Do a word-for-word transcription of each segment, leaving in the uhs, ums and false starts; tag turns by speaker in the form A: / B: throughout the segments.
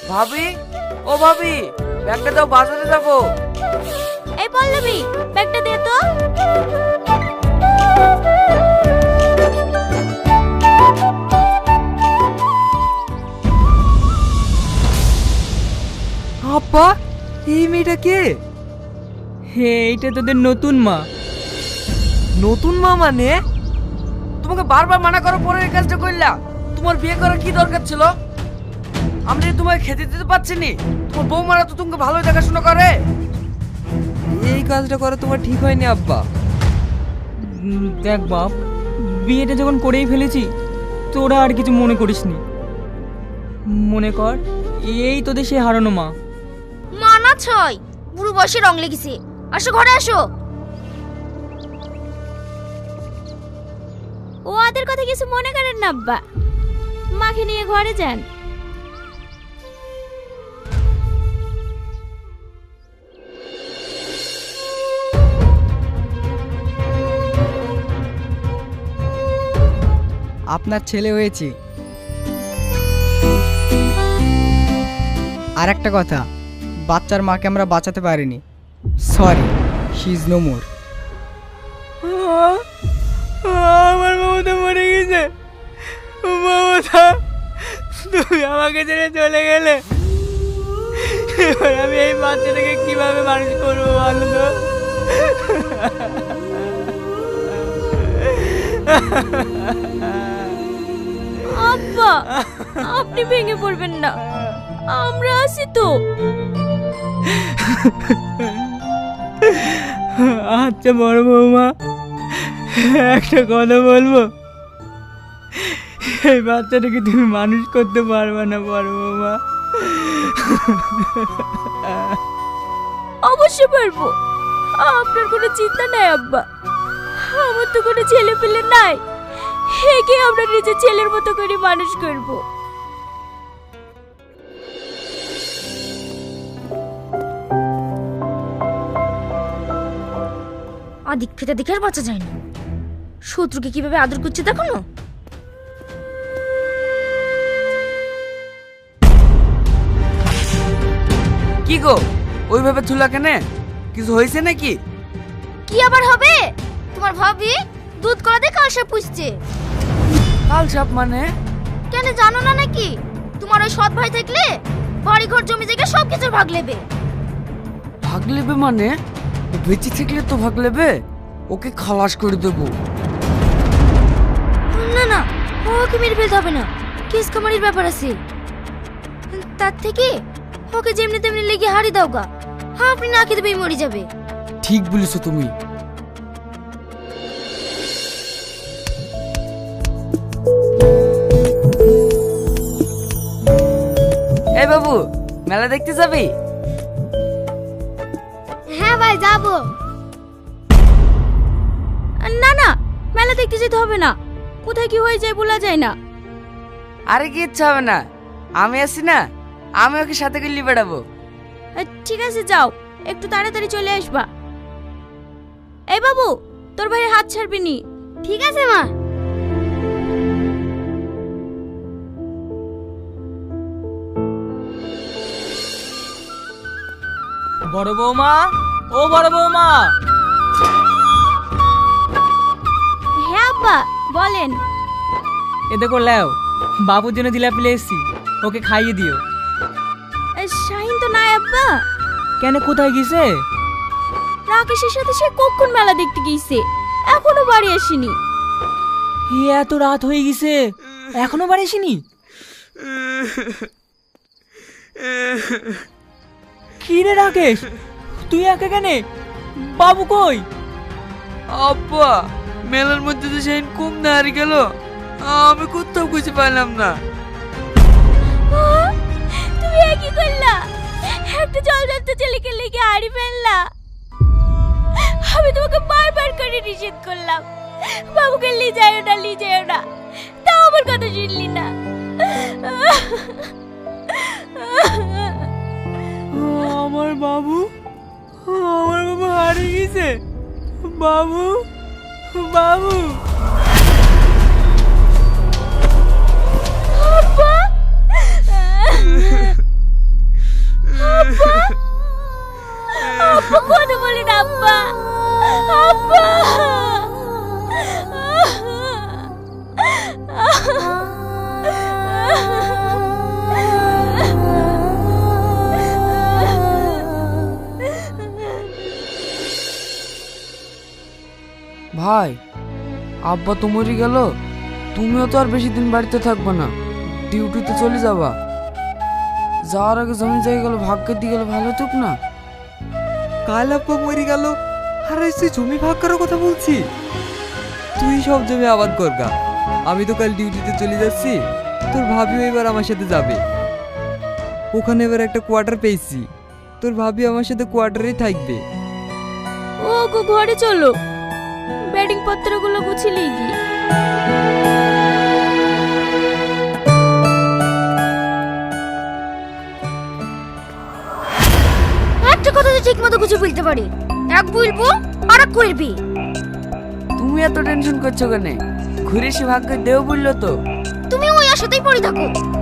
A: ভাবি, ও ভাবি, ব্যাগটা দাও, বাজারে যাবো।
B: এই পল্লবী, ব্যাগটা দে তো।
A: আব্বা, এই মেয়েটা কে?
C: হে, এইটা তোদের নতুন মা।
A: নতুন মা মানে? তোমাকে বারবার মানা করার পরে এই কাজটা করলা। তোমার বিয়ে করার কি দরকার ছিল? আমি যে তোমাকে খেতে দিতে পারছি নি। তোমার বৌমারা তো তোমাকে ভালোই দেখাশোনা করে। এই কাজটা করা তোমার ঠিক হয়নি আব্বা।
C: উম, দেখ বাপ, বিয়েটা যখন করেই ফেলেছি, তোরা আর কিছু মনে করিসনি। মনে কর এই তোদের সেই হারানো মা।
B: মা না ছয়, বুড়ো বয়সে রং লেগেছে। আসো ঘরে আসো। ও ওদের কথা কিছু মনে করেন না আব্বা, মাকে নিয়ে ঘরে যান।
D: আপনার ছেলে হয়েছে। আর একটা কথা, বাচ্চার মাকে আমরা বাঁচাতে পারিনি। Sorry, she is no more.
C: আমার মমতা মরে গেছে। মমতা, তুমি আমাকে ছেড়ে চলে গেলে, এবার আমি এই বাচ্চাটাকে কিভাবে মানুষ করবো বলো তো?
B: আব্বা, আপনি ভেঙে পড়বেন না, আমরা আছি তো।
C: আচ্ছা বড় বৌমা, একটা কথা বলবো। এই বাচ্চাটাকে তুমি মানুষ করতে পারবে না বড় বৌমা।
B: অবশ্যই পারবো, আপনার কোনো চিন্তা নাই আব্বা। আমার তো কোনো ছেলে পেলে নাই, একে আমরা নিজের ছেলের মতো করে মানুষ করব। আদিক ফেতে দেখে আর বাঁচা যায় না। শত্রুকে কিভাবে আদর করছে দেখো না।
A: কি গো, ওইভাবে থুলা কেনে? কিছু হয়েছে নাকি?
B: কি আবার হবে? তোমার ভাবি দুধ কলা দিয়ে কালসা পুষছে।
A: কাল সাপ মানে?
B: কেন জানো না নাকি? তোমার ওই সৎ ভাই থাকলে বাড়ি ঘর জমি জায়গা সব কিছুর ভাগ নেবে।
A: ভাগ নেবে মানে? ও বেঁচে থাকলে তো ভাগ নেবে। ওকে খালাস করে দেবো।
B: না না, ওকে মেরে ফেলতে হবে না, কেস কামারির ব্যাপার আছে। তার থেকে ওকে যেমনি তেমনি লেগে হারি দাও গা, আপনি না খেতে পেয়ে মরে যাবে।
A: ঠিক বলেছো তুমি। এই বাবু, মেলা দেখতে যাবি?
B: হ্যাঁ ভাই যাবো। না না, মেলা দেখতে যেতে হবে না, কোথায় কি হয়ে যায় বলা যায় না।
A: আরে কি ইচ্ছা হবে না, আমি আছি না, আমি ওকে সাথে করে নিয়ে বেড়াবো।
B: ঠিক আছে যাও, একটু তাড়াতাড়ি চলে আসবা। এই বাবু, তোর ভাইয়ের হাত ছাড়বি নি। ঠিক আছে মা।
C: বড় বৌমা, ও বড় বৌমা।
B: হ্যাঁ আব্বা বলেন।
C: এ দেখো লেও, বাবুর জন্য জিলাপি নিয়ে এসেছি, ওকে খাইয়ে দিও।
B: শাহিন তো নাই আব্বা।
C: কেন, কোথায় গেছে?
B: রাকেশের সাথে সে কখন মেলা দেখতে গিয়েছে, এখনো বাড়ি আসেনি।
C: এ এত রাত হয়ে গেছে, এখনো বাড়ি আসেনি? কি রে রাকেশ, তুই একা কেন? বাবু কই?
A: আব্বা, মেলার মধ্যে তো সেই কম না হারিয়ে গেল, আমি কোথাও খুঁজে পাইলাম না।
B: তুমি একই করলা, একটা জল জলতে ছেলেকে লেগে হারিয়ে ফেললা। আমি তোমাকে বারবার করে নিষেধ করলাম, বাবুকে নিয়ে যাও না, নিয়ে যাও না, তাও আমার কথা শুনলি না।
C: আমার বাবু, আমার বাবু হারিয়ে গেছে। বাবু, বাবু।
B: আব্বা,
A: আব্বা তো মরে গেল, তুমিও তো আর বেশি দিন বাড়িতে থাকবে না, ডিউটিতে চলে যাবা। যাওয়ার আগে জমি জায়গাগুলো ভাগ্যের দিয়ে গেলে ভালো হতো না?
C: কাল আব্বা মরে গেল আর তুই জমি ভাগ করার কথা বলছি? তুই সব জমি আবাদ করগা, আমি তো কাল ডিউটিতে চলে যাচ্ছি। তোর ভাবিও এবার আমার সাথে যাবে। ওখানে এবার একটা কোয়ার্টার পেয়েছি, তোর ভাবি আমার সাথে কোয়ার্টারেই থাকবে।
B: ও গো ঘরে চলো, ব্যাটিং পত্রগুলো গুছিয়ে গিয়ে।
E: একটা কথা তো ঠিক মতো গুছিয়ে বলতে পারি, এক বলবো আর এক করবি।
A: তুমি এত টেনশন করছো কেন? ঘুরে সে ভাগ্য দেও বললো তো।
E: তুমি ওই আশাতেই পড়ে থাকো।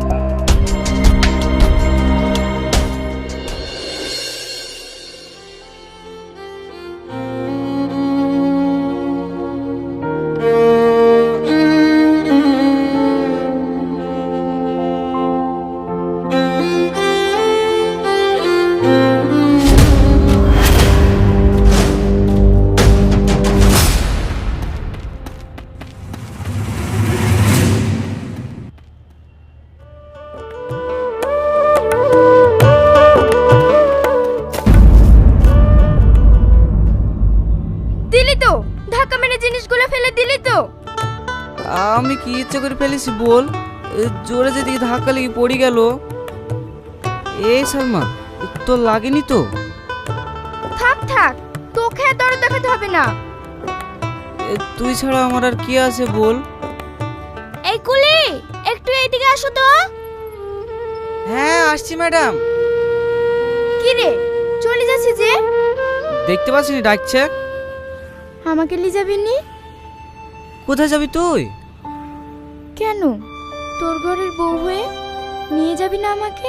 E: দিলি তো ধাক্কা মেরে জিনিসগুলো ফেলে দিলি তো।
A: আমি কি ইচ্ছে করে ফেলেছি বল? এ, জোরে যেদিকে ধাক্কা লেগে পড়ে গেল। এই সালমা, তোর লাগেনি তো?
E: থাক থাক, তোকে আর দরদ দেখাতে হবে না।
A: এ, তুই ছাড়া আমার আর কি আছে বল?
B: এই কুলি, একটু এইদিকে আসো তো।
A: হ্যাঁ আসছি ম্যাডাম।
E: কি রে চলে যাচ্ছি যে?
A: দেখতে পাচ্ছিনি ডাকছে।
E: আমাকে নিয়ে যাবি নি?
A: কোথায় যাবি তুই?
E: কেন, তোর ঘরের বউ হয়ে নিয়ে যাবি না আমাকে?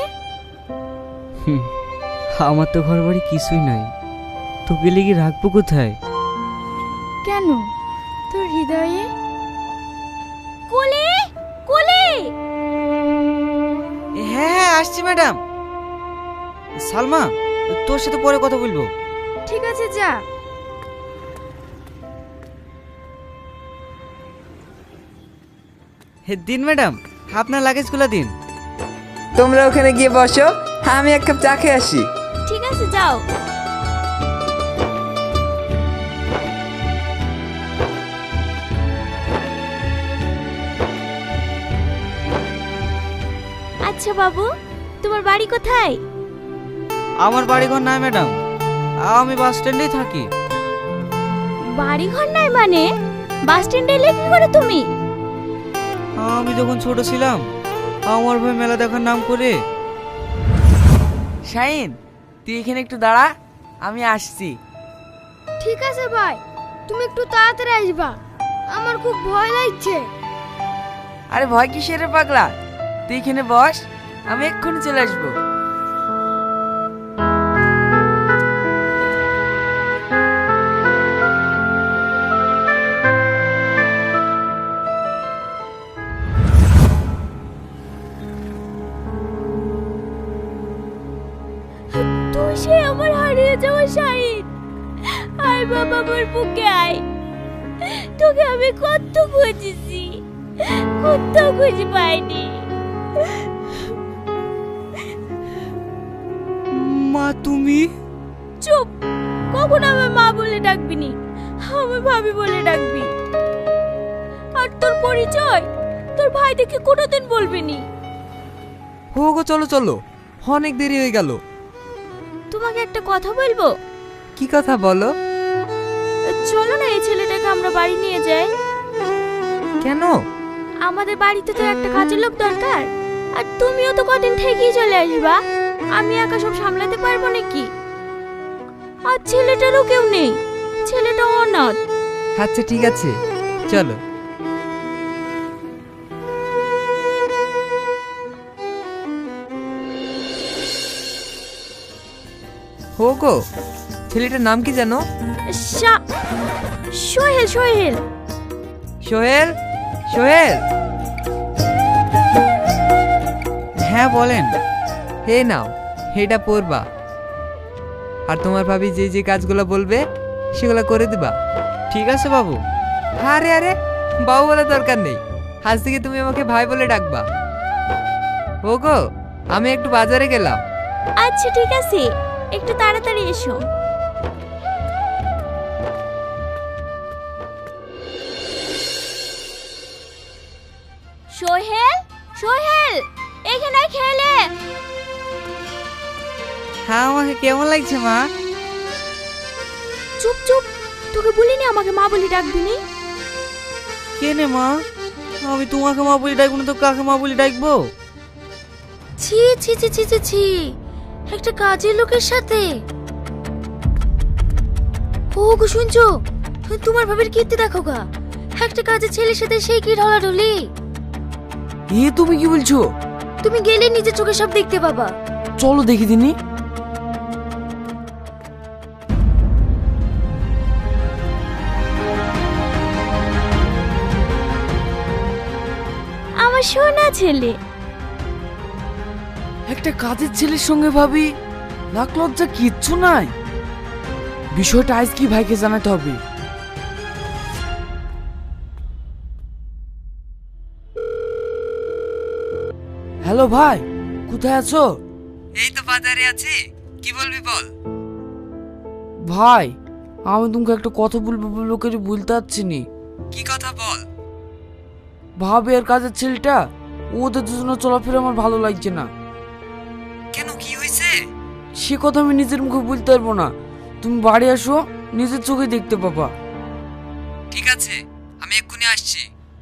A: আমার তো ঘর বাড়ি কিছুই নাই, তোকে লেগে রাখবো কোথায়?
E: কেন, তোর হৃদয়ে।
B: কুলি, কুলি।
A: হ্যাঁ হ্যাঁ আসছি ম্যাডাম। সালমা, তোর সাথে পরে কথা বলবো।
E: ঠিক আছে যা।
A: হে দিন ম্যাডাম, আপনার লাগেজগুলো দিন।
C: তোমরা ওখানে গিয়ে বসো, আমি এক কাপ চা খেয়ে আসি।
B: ঠিক আছে যাও। আচ্ছা বাবু, তোমার বাড়ি কোথায়?
A: আমার বাড়ি ঘর নাই ম্যাডাম, আমি বাস স্ট্যান্ডেই থাকি।
B: বাড়ি ঘর নাই মানে? বাস স্ট্যান্ডে এলে কি করে তুমি?
A: আমি যখন ছোট ছিলাম, আমার ভাই মেলা দেখার নাম করে। শাইন, তুই এখানে একটু দাঁড়া, আমি আসছি।
E: ঠিক আছে ভাই, তুমি একটু তাড়াতাড়ি আসবা, আমার খুব ভয় লাগছে।
A: আরে ভয় কিসের রে পাগলা, তুই এখানে বস, আমি এক্ষুনি চলে আসবো।
B: তুই সে আমার হারিয়ে যাওয়া শাহিদ। আয় বাবা, আমার বুকে আয়। তোকে আমি কত খুঁজেছি, কোথাও খুঁজে পাইনি।
C: মা তুমি?
B: চুপ, কখন আমার মা বলে ডাকবি নি, আমার ভাবি বলে ডাকবি। আর তোর পরিচয় তোর ভাই দেখে কোনোদিন বলবি নি।
C: হো গো চলো চলো, অনেক দেরি হয়ে গেল।
B: তোমাকে একটা কথা বলবো।
C: কি কথা বলো?
B: চলো না, এই ছেলেটাকে আমরা বাড়ি নিয়ে যাই।
C: কেন?
B: আমাদের বাড়িতে তো একটা কাজের লোক দরকার, আর তুমিও তো কদিন থেকেই চলে আসবা। আমি একা সব সামলাতে পারবো নাকি? আর ছেলেটারও কেউ নেই, ছেলেটা অনাথ।
C: আচ্ছা ঠিক আছে, চলো। হো গো, ছেলেটার নাম কি জানো?
B: শা- সোহেল, সোহেল।
C: সোহেল, সোহেল।
A: হ্যাঁ বলেন।
C: হে নাও, এটা পড়বা, আর তোমার ভাবি যে যে কাজগুলো বলবে সেগুলো করে দিবা।
A: ঠিক আছে বাবু।
C: আরে আরে,
F: বাবু বলার দরকার নেই, আজ থেকে তুমি আমাকে ভাই বলে ডাকবা। ও গো, আমি একটু বাজারে গেলাম।
B: আচ্ছা ঠিক আছে, একটু তাড়াতাড়ি এসো। সোহেল, সোহেল, এখানে খেলে।
F: হ্যাঁ, আমাকে কেমন লাগছে মা?
B: চুপ চুপ, তোকে বলিনি আমাকে মা বলে ডাকবি নি?
C: কেনে মা, আমি তোমাকে মা বলে ডাকবো না তো কাকে মা বলে ডাকবো?
E: ছি ছি ছি ছি ছি ছি, একটা কাজের লোকের সাথে। ও গো শুনছো, তোমার ভাবের কীর্তি দেখো গা, একটা কাজের ছেলের সাথে সেই কি ঢলাঢলি।
A: এ তুমি কি বলছো?
E: তুমি গেলে নিজের চোখে সব দেখতে পাবা।
A: চলো দেখি দিনি।
B: আমার সোনা ছেলে।
A: একটা কাজের ছেলের সঙ্গে ভাবি, লাখ লজ্জা কিচ্ছু নাই। বিষয়টা আজ কি ভাইকে জানাতে হবে। হ্যালো ভাই, কোথায় আছো?
F: এই তো বাজারে আছি, কি বলবি বল।
A: ভাই, আমি তোমাকে একটা কথা বলবো বলবো করে বলতে পারছি নি।
F: কি কথা বল।
A: ভাবি আর কাজের ছেলেটা, ওদের দুজনের চলাফেরা আমার ভালো লাগছে না।
F: কেন, কি হয়েছে?
A: সে কথা আমি নিজের মুখে বলতে পারবো না, তুমি বাড়ি আসো, নিজের চোখে দেখতে পাবা।
F: ঠিক আছে, আমি এক্ষুনি আসছি।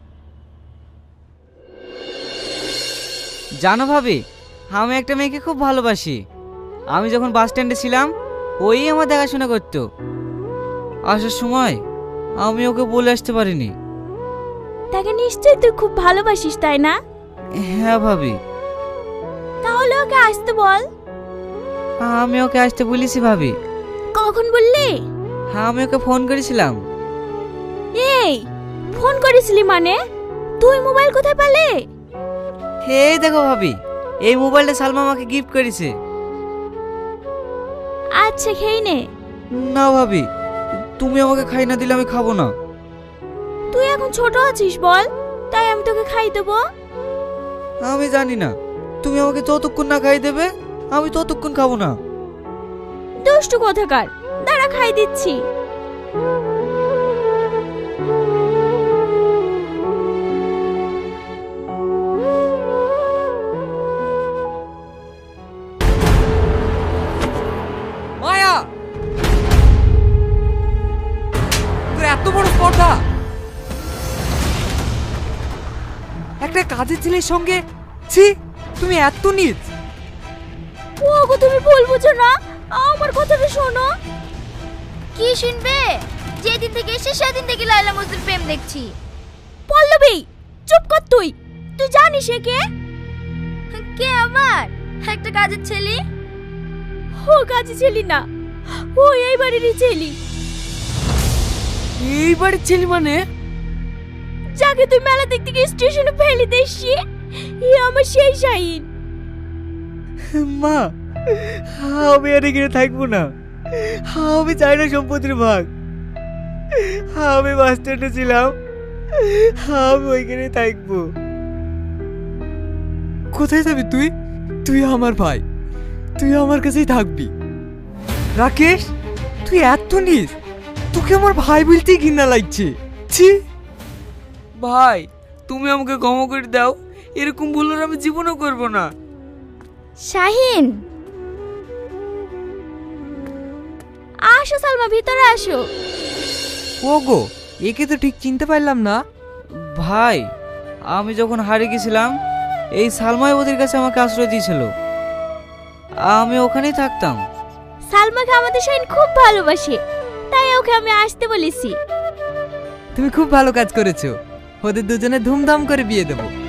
C: জানো ভাবি, আমি একটা মেয়েকে খুব ভালোবাসি। আমি যখন বাস স্ট্যান্ডে ছিলাম, ওই আমার দেখাশোনা করতো। আসার সময় আমি ওকে বলে আসতে পারিনি।
B: তাকে নিশ্চয়ই তুই খুব ভালোবাসিস, তাই না?
C: হ্যাঁ ভাবি।
B: তাহলে ওকে আসতে বল।
C: আমি ওকে আসতে বলেছি ভাবি।
B: কখন বললি?
C: হ্যাঁ, আমি ওকে ফোন করেছিলাম।
B: এই, ফোন করেছিলি মানে? তুই মোবাইল কোথায় পেলে?
C: এই দেখো ভাবি, এই মোবাইলটা সালমা আমাকে গিফট করেছে।
B: আচ্ছা খেয়ে নে।
C: না ভাবি, তুমি আমাকে খাই না দিলে আমি খাবো না।
B: তুই এখন ছোট আছিস বল, তাই আমি তোকে খাই দেবো।
C: আমি জানি না, তুমি আমাকে যতক্ষণ না খাই দেবে আমি ততক্ষণ খাবো না।
B: দুষ্টু কোথাকার, দাঁড়া খাই দিচ্ছি।
F: মায়া, তোর এত বড় স্পর্ধা! একটা কাজের ছেলের সঙ্গে, ছি, তুমি এত নীচ।
B: ওগো তুমি ভুল বুঝো না, আমার কথাটা শোনো।
E: কি শুনবে? যেদিন থেকে এসে সেদিন থেকে লায়লা মজনুর প্রেম দেখছি।
B: পল্লবী, চুপ কর তুই। তুই জানিস এ কে?
E: কে আমার? একটা কাজের ছেলে।
B: ও কাজে ছেলি না, ও এই বাড়িরই ছেলি।
A: এই বাড়ির ছেলে মানে?
B: যাকে তুই মেলা দেখতে গিয়ে স্টেশনে ফেলে দিসছি, ই আমার সেই শাহিন।
C: মা, আমি আর এখানে থাকবো না। আমি চাই না সম্পত্তির ভাগ। আমি বাস স্ট্যান্ডে ছিলাম, আমি ওইখানে থাকবো।
F: কোথায় যাবি তুই? তুই আমার ভাই, তুই আমার কাছেই থাকবি। রাকেশ, তুই এত নীচ, তোকে আমার ভাই বলতেই ঘৃণা লাগছে। ছি।
A: ভাই, তুমি আমাকে ক্ষমা করে দাও, এরকম ভুল আর আমি জীবনও করব না।
B: শাহিন, আসো সালমা, ভিতরে আসো।
F: ওগো, একে তো ঠিক চিনতে পারলাম না।
C: ভাই, আমি যখন হারিয়ে গেছিলাম, এই সালমাই ওদের কাছে আমাকে আশ্রয় দিয়েছিল। আমি ওখানেই থাকতাম।
B: সালমাকে আমাদের শাহিন খুব ভালোবাসে, তাই ওকে আমি আসতে বলেছি।
F: তুমি খুব ভালো কাজ করেছো, ওদের দুজনে ধুমধাম করে বিয়ে দেবো।